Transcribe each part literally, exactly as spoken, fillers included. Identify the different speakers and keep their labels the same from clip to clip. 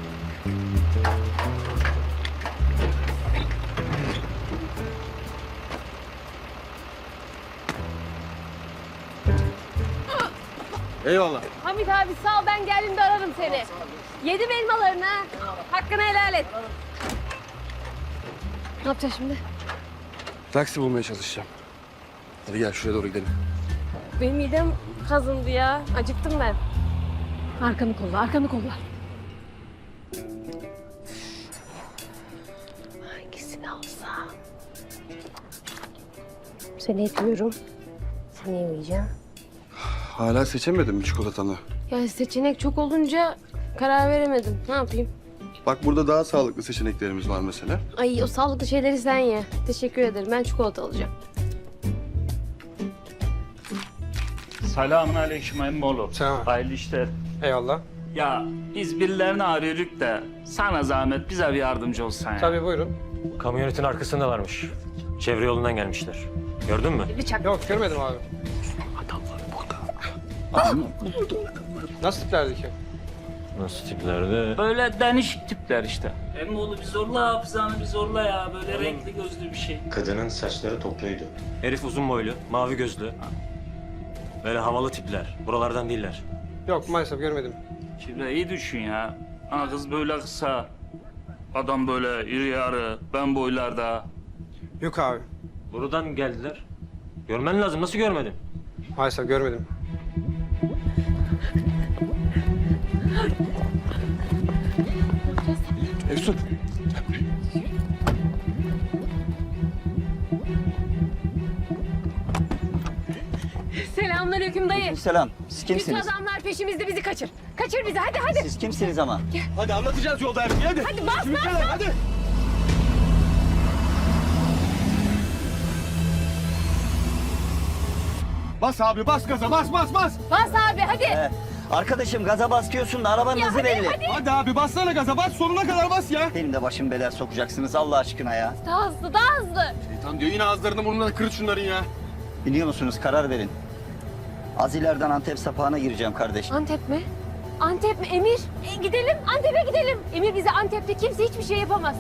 Speaker 1: Eyvallah.
Speaker 2: Hamit abi sağ ol, ben geldiğimde ararım seni. Yedim elmalarını ha. Hakkını helal et. Ne yapacağız şimdi?
Speaker 1: Taksi bulmaya çalışacağım. Hadi gel şuraya doğru gidelim.
Speaker 2: Benim midem kazındı ya. Acıktım ben. Arkanı kolla, arkanı kolla. Hangisini alsam? Seni etmiyorum. Seni yemeyeceğim.
Speaker 1: Hala seçemedim mi çikolatanı?
Speaker 2: Yani seçenek çok olunca karar veremedim. Ne yapayım?
Speaker 1: Bak burada daha sağlıklı seçeneklerimiz var mesela.
Speaker 2: Ay o sağlıklı şeyleri sen ye. Teşekkür ederim. Ben çikolata alacağım.
Speaker 3: Selamun aleyküm emmoğlu.
Speaker 4: Selam.
Speaker 3: Hayırlı işler.
Speaker 4: Eyvallah.
Speaker 3: Ya biz birilerini arıyorduk da sana zahmet bize bir yardımcı olsan ya.
Speaker 4: Tabii buyurun.
Speaker 5: Kamyonetin arkasındalarmış. Çevre yolundan gelmişler. Gördün mü?
Speaker 2: Bıçak.
Speaker 4: Yok görmedim abi.
Speaker 1: Adamlar burada.
Speaker 4: Nasıl tiplerdi ki?
Speaker 5: Nasıl tiplerde?
Speaker 3: Böyle denişik tipler işte. Emmoğlu bir zorla hafızanı bir zorla ya. Böyle renkli gözlü bir şey.
Speaker 6: Kadının saçları topluydu.
Speaker 5: Herif uzun boylu, mavi gözlü. Böyle havalı tipler. Buralardan değiller.
Speaker 4: Yok maalesef görmedim.
Speaker 3: Şimdi iyi düşün ya. Ha, kız böyle kısa. Adam böyle iri yarı. Ben boylarda.
Speaker 4: Yok abi.
Speaker 5: Buradan geldiler. Görmen lazım. Nasıl görmedin?
Speaker 4: Maalesef görmedim.
Speaker 1: Efsun.
Speaker 2: Selamünaleyküm dayı.
Speaker 7: Selam. Siz
Speaker 2: Kötü
Speaker 7: kimsiniz?
Speaker 2: adamlar peşimizde, bizi kaçır. Kaçır bizi, hadi hadi.
Speaker 7: Siz kimsiniz ama?
Speaker 1: Hadi anlatacağız yolda her şeyi hadi.
Speaker 2: Hadi bas
Speaker 1: Şimdi
Speaker 2: bas
Speaker 1: gel,
Speaker 2: bas.
Speaker 1: hadi. Bas abi bas gaza bas bas bas.
Speaker 2: Bas abi hadi.
Speaker 7: Ee, arkadaşım gaza basıyorsun da arabanın
Speaker 2: Ya
Speaker 7: hızı
Speaker 2: hadi,
Speaker 7: belli.
Speaker 2: hadi.
Speaker 1: Hadi abi bassana gaza bas sonuna kadar bas ya.
Speaker 7: Benim de başım belaya sokacaksınız Allah aşkına ya.
Speaker 2: Daha hızlı, daha hızlı.
Speaker 1: Şeytan diyor yine ağızlarını burnlarını kırıt şunların ya.
Speaker 7: Biliyor musunuz karar verin. Az ileriden Antep sapağına gireceğim kardeş.
Speaker 2: Antep mi? Antep mi? Emir, e, gidelim. Antep'e gidelim. Emir bize Antep'te kimse hiçbir şey yapamaz.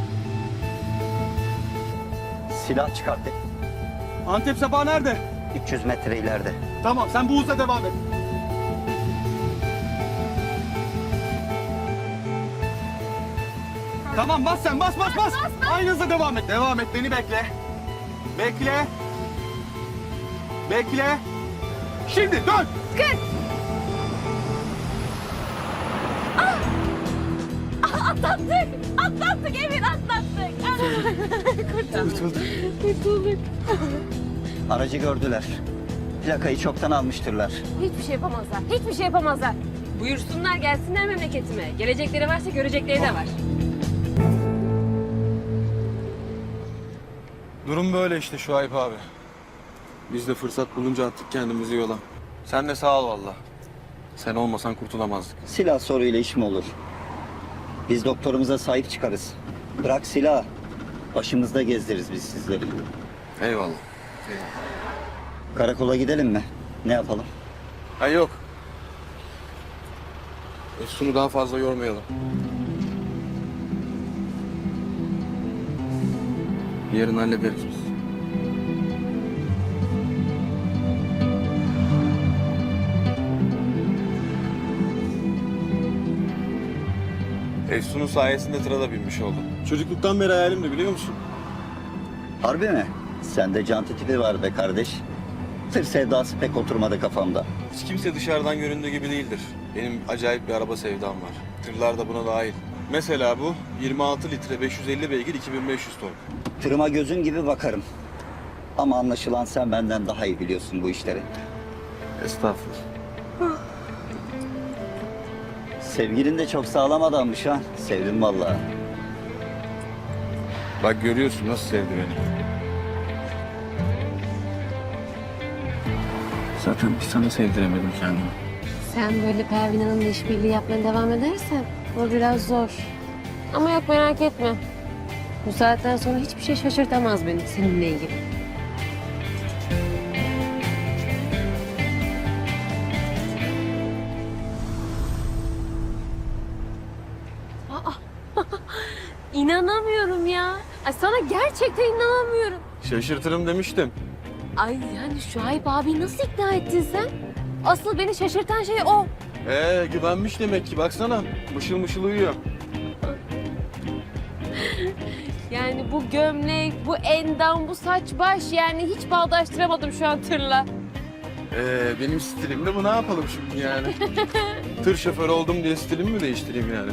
Speaker 7: Silah çıkarttı.
Speaker 1: Antep sapağı nerede?
Speaker 7: üç yüz metre ileride.
Speaker 1: Tamam sen bu hızla devam et. Tamam bas sen bas bas bas. Aynı hızla devam et. Devam et beni bekle. Bekle. Bekle. Şimdi dön.
Speaker 2: Kız. Ah, atlattık. Atlattık Emir, atlattık. Kurtulduk. Kurtulduk.
Speaker 7: Aracı gördüler. Plakayı çoktan almıştırlar.
Speaker 2: Hiçbir şey yapamazlar. Hiçbir şey yapamazlar. Buyursunlar gelsinler memleketime. Gelecekleri varsa görecekleri de var.
Speaker 1: Durum böyle işte Şuayb abi. Biz de fırsat bulunca attık kendimizi yola. Sen de sağ ol valla. Sen olmasan kurtulamazdık.
Speaker 7: Silah soruyla iş mi olur? Biz doktorumuza sahip çıkarız. Bırak silah. Başımızda gezdiririz biz sizleri.
Speaker 1: Eyvallah.
Speaker 7: Karakola gidelim mi? Ne yapalım?
Speaker 1: Ha yok. Efsun'u daha fazla yormayalım. Yarın hallederiz biz. Efsun'un sayesinde tıra da binmiş oldum. Çocukluktan beri hayalimdi biliyor musun?
Speaker 7: Harbi mi? Sende canti tipi var be kardeş. Tır sevdası pek oturmadı kafamda.
Speaker 1: Hiç kimse dışarıdan göründüğü gibi değildir. Benim acayip bir araba sevdam var. Tırlar da buna dahil. Mesela bu yirmi altı litre beş yüz elli beygir iki bin beş yüz ton.
Speaker 7: Tırıma gözüm gibi bakarım. Ama anlaşılan sen benden daha iyi biliyorsun bu işleri.
Speaker 1: Estağfurullah.
Speaker 7: Sevgilin de çok sağlam adammış ha. Sevdim vallahi.
Speaker 1: Bak görüyorsun nasıl sevdi beni. Zaten bir sana sevdiremedim kendimi.
Speaker 2: Sen böyle Pervin Hanım'la işbirliği yapmaya devam edersen o biraz zor. Ama yok merak etme. Bu saatten sonra hiçbir şey şaşırtamaz beni seninle ilgili. İnanamıyorum ya. Ay sana gerçekten inanamıyorum.
Speaker 1: Şaşırtırım demiştim.
Speaker 2: Ay yani Şuayb abi nasıl ikna ettin sen? Asıl beni şaşırtan şey o.
Speaker 1: Ee güvenmiş demek ki baksana. Mışıl mışıl uyuyor.
Speaker 2: Yani bu gömlek, bu endam, bu saç baş yani hiç bağdaştıramadım şu an tırla.
Speaker 1: Ee, benim stilimde bu ne yapalım şimdi yani? Tır şoförü oldum diye stilimi mi değiştireyim yani?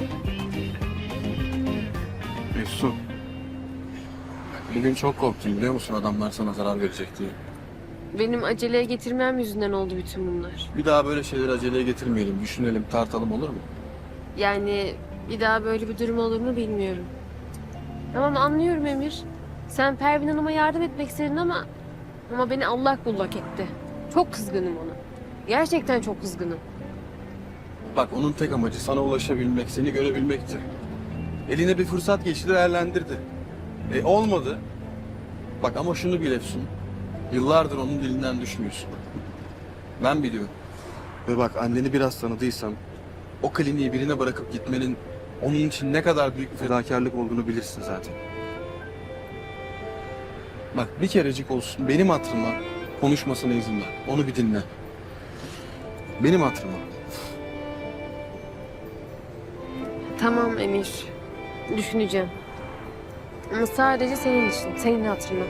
Speaker 1: Efsun. Bugün çok korktum biliyor musun adamlar sana zarar verecek diye.
Speaker 2: Benim aceleye getirmem yüzünden oldu bütün bunlar.
Speaker 1: Bir daha böyle şeyleri aceleye getirmeyelim, düşünelim, tartalım olur mu?
Speaker 2: Yani bir daha böyle bir durum olur mu bilmiyorum. Tamam anlıyorum Emir. Sen Pervin Hanım'a yardım etmek istedin ama... Ama beni allak bullak etti. Çok kızgınım ona. Gerçekten çok kızgınım.
Speaker 1: Bak onun tek amacı sana ulaşabilmek, seni görebilmekti. Eline bir fırsat geçti, değerlendirdi. E olmadı. Bak ama şunu bil Efsun. Yıllardır onun dilinden düşmüyorsun. Ben biliyorum. Ve bak anneni biraz tanıdıysam... ...o kliniği birine bırakıp gitmenin... ...onun için ne kadar büyük bir fedakarlık olduğunu bilirsin zaten. Bak bir kerecik olsun benim hatırıma... ...konuşmasına izin ver. Onu bir dinle. Benim hatırıma.
Speaker 2: Tamam Emir. Düşüneceğim. Ama sadece senin için, senin hatırına.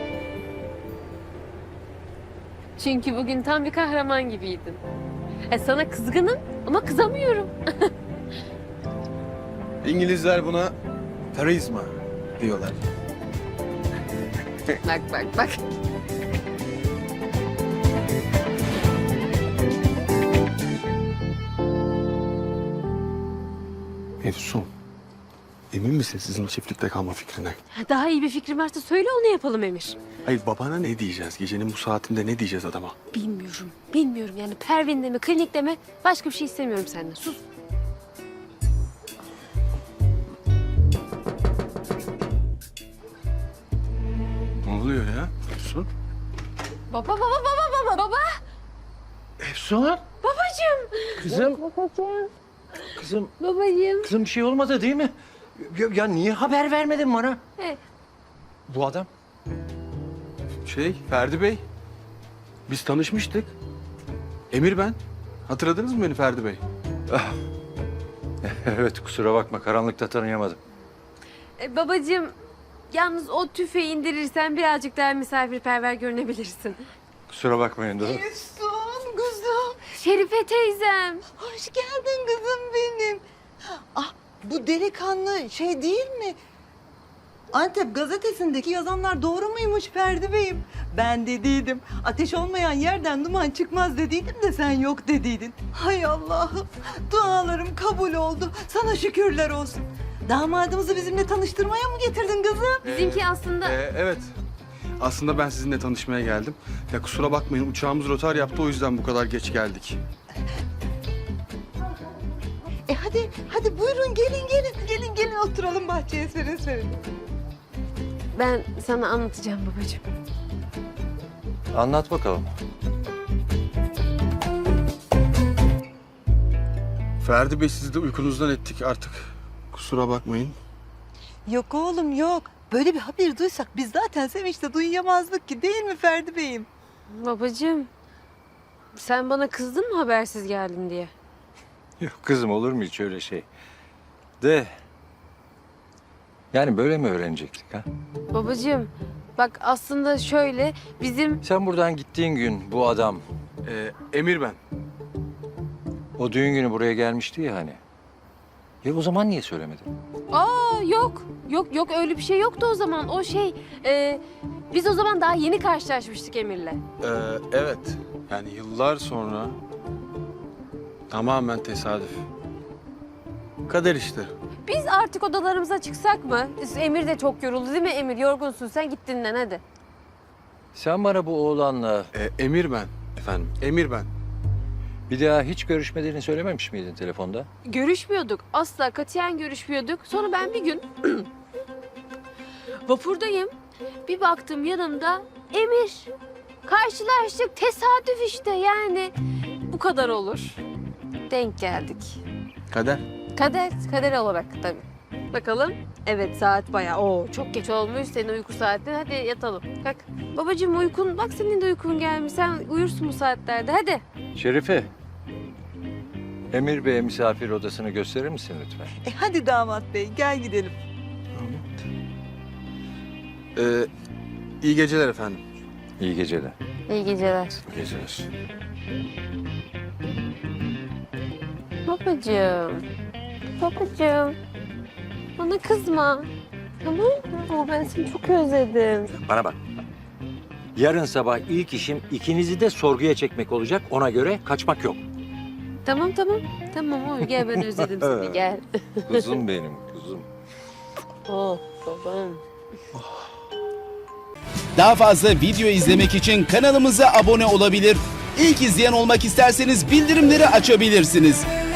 Speaker 2: Çünkü bugün tam bir kahraman gibiydin. E sana kızgınım ama kızamıyorum.
Speaker 1: İngilizler buna karizma diyorlar.
Speaker 2: Bak bak bak.
Speaker 1: Efsun, emin misin sizin çiftlikte kalma fikrine?
Speaker 2: Daha iyi bir fikrin varsa söyle onu yapalım Emir.
Speaker 1: Hayır babana ne diyeceğiz? Gecenin bu saatinde ne diyeceğiz adama?
Speaker 2: Bilmiyorum, bilmiyorum. Yani Pervin'de mi, klinikte mi? Başka bir şey istemiyorum senden. Sus.
Speaker 1: Ne oluyor ya Efsun?
Speaker 2: Baba, baba, baba, baba, baba.
Speaker 6: Efsun,
Speaker 2: Babacığım.
Speaker 6: kızım,
Speaker 2: Babacığım.
Speaker 6: kızım,
Speaker 2: Babacığım.
Speaker 6: kızım bir şey olmadı değil mi? Ya, ya niye haber vermedin bana?
Speaker 2: Evet.
Speaker 6: Bu adam.
Speaker 1: Şey, Ferdi Bey. Biz tanışmıştık. Emir ben. Hatırladınız mı beni Ferdi Bey?
Speaker 6: Evet, kusura bakma, karanlıkta tanıyamadım.
Speaker 2: E, babacığım, yalnız o tüfeği indirirsen birazcık daha misafirperver görünebilirsin.
Speaker 6: Kusura bakmayın durun.
Speaker 8: Efsun kızım.
Speaker 2: Şerife teyzem.
Speaker 8: Hoş geldin kızım benim. Ah bu delikanlı şey değil mi? Antep gazetesindeki yazanlar doğru muymuş Ferdi Bey'im? Ben dediydim. Ateş olmayan yerden duman çıkmaz dediydim de sen yok dediydin. Hay Allah'ım. Dualarım kabul oldu. Sana şükürler olsun. Damadımızı bizimle tanıştırmaya mı getirdin kızım?
Speaker 2: Bizimki aslında...
Speaker 1: Ee, evet. Aslında ben sizinle tanışmaya geldim. Ya kusura bakmayın uçağımız rotar yaptı o yüzden bu kadar geç geldik.
Speaker 8: E hadi, hadi buyurun gelin gelin. Gelin gelin oturalım bahçeye serin serin.
Speaker 2: Ben sana anlatacağım babacığım.
Speaker 6: Anlat bakalım.
Speaker 1: Ferdi Bey sizi de uykunuzdan ettik artık. Kusura bakmayın.
Speaker 8: Yok oğlum yok. Böyle bir haber duysak biz zaten sevinçle duyamazdık ki değil mi Ferdi Bey'im?
Speaker 2: Babacığım, sen bana kızdın mı habersiz geldin diye?
Speaker 6: Yok kızım, olur mu hiç öyle şey? De... Yani böyle mi öğrenecektik ha?
Speaker 2: Babacığım, bak aslında şöyle bizim...
Speaker 6: Sen buradan gittiğin gün bu adam
Speaker 1: Ee, Emir ben.
Speaker 6: o düğün günü buraya gelmişti ya hani. Ya o zaman niye söylemedin?
Speaker 2: Aa yok, yok yok öyle bir şey yoktu o zaman. O şey, e, biz o zaman daha yeni karşılaşmıştık Emir'le.
Speaker 1: Ee, evet. Yani yıllar sonra tamamen tesadüf. Kader işte.
Speaker 2: Biz artık odalarımıza çıksak mı? Emir de çok yoruldu değil mi Emir? Yorgunsun sen git dinlen hadi.
Speaker 6: Sen bana bu oğlanla
Speaker 1: Ee, Emir ben efendim. Emir ben.
Speaker 6: bir daha hiç görüşmediğini söylememiş miydin telefonda?
Speaker 2: Görüşmüyorduk. Asla katiyen görüşmüyorduk. Sonra ben bir gün vapurdayım. Bir baktım yanımda Emir. Karşılaştık. Tesadüf işte yani. Bu kadar olur. Denk geldik.
Speaker 1: Kader.
Speaker 2: Kader, kader olarak tabii. Bakalım. Evet saat bayağı. Oo çok geç olmuş senin uyku saatin. Hadi yatalım. Kalk. Babacığım uykun bak senin de uykun gelmiş. Sen uyursun bu saatlerde. Hadi.
Speaker 6: Şerife. Emir Bey'e misafir odasını gösterir misin lütfen?
Speaker 8: E hadi damat bey gel gidelim.
Speaker 1: Ee, iyi geceler efendim.
Speaker 6: İyi geceler.
Speaker 2: İyi geceler.
Speaker 6: İyi geceler.
Speaker 2: Babacığım. Babacığım. Bana kızma. Tamam mı? Ama ben seni çok özledim.
Speaker 6: Bana bak. Yarın sabah ilk işim ikinizi de sorguya çekmek olacak. Ona göre kaçmak yok.
Speaker 2: Tamam tamam. Tamam oy gel ben özledim seni gel.
Speaker 6: Kuzum benim, kuzum.
Speaker 2: Oh babam.
Speaker 9: Daha fazla video izlemek için kanalımıza abone olabilir. İlk izleyen olmak isterseniz bildirimleri açabilirsiniz.